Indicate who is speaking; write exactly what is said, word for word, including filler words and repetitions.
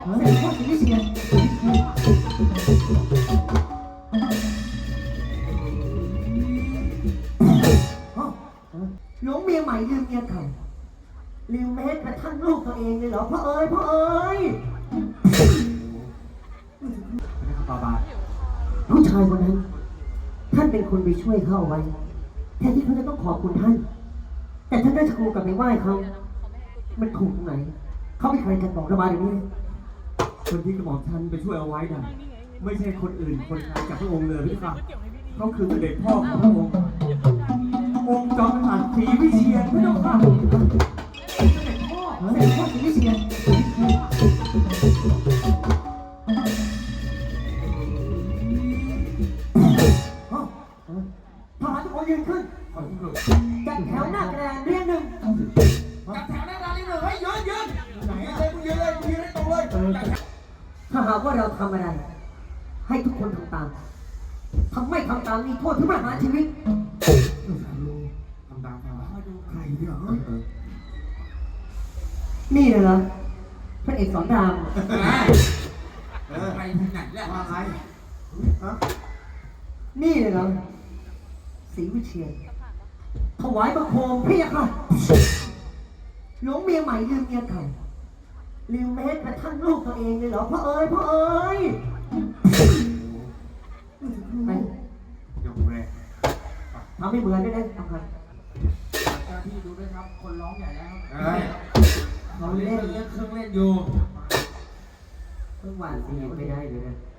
Speaker 1: เสร็จพ่อจะไม่เชียร์หลงเมียใหม่ลืมเมียเก่าลืมแม้กระทั่งลูกตัวเองเลยเหรอพ่อเอ๋ยพ่อเอ๋ยผู้ชายคนนั้นท่านเป็นคนไปช่วยเขาเอาไว้แทนที่เขาจะต้องขอบคุณท่านแต่ท่านได้ชกูกลับไปไหว้เขามันถูกตรงไหนเขาไม่เคยกันบอกระบายอย่างนี้คนที่กระบอกท่านไปช่วยเอาไว้น่ะไม่ใช่คนอื่นคนไกลจากพระองค์เลยพี่ค่ะเขาคือเสด็จพ่อของพระองค์องค์จอมกษัตริย์ศรีวิเชียรพระเจ้าค่ะเสด็จพ่อเสด็จพ่อศรีวิเชียรทหารทุกคนยืนขึ้นจัดแถวหน้ากระดานเรียงหนึ่งจัดแถวหน้ากระดานเรียงหนึ่งให้ยืนยืนไหนเลยมึงยืนเลยมึงยืนให้ตรงเลยถ้าหากว่าเราทำอะไรให้ทุกคนทำตามทำไม่ทำตามมีโทษถึงประหารชีวิตทำตามใครวะใครเนี่ยนี่เลยเหรอพระเอกสอนราม
Speaker 2: เออใครที่ไหนแล้วว่าใคร
Speaker 1: นี่เลยเหรอศรีวิเชียรถวายบังคมพี่ค่ะหลงเมียใหม่ลืมเมียเก่าลืมแม้กระทั่งลูกตัวเองเลยเหรอพ่อเอ๋ยพ่อเอ๋ยไป
Speaker 2: ยกแรก
Speaker 1: ทำให้เหมือนได้ไหมทำไม
Speaker 2: เจ้าที่ดูด้วยครับคนร้องใหญ่แล้ว
Speaker 1: เขาเล่น
Speaker 2: เล่นเครื่องเล่นอยู่
Speaker 1: เพิ่งหวานสีไม่ได้เลยนะ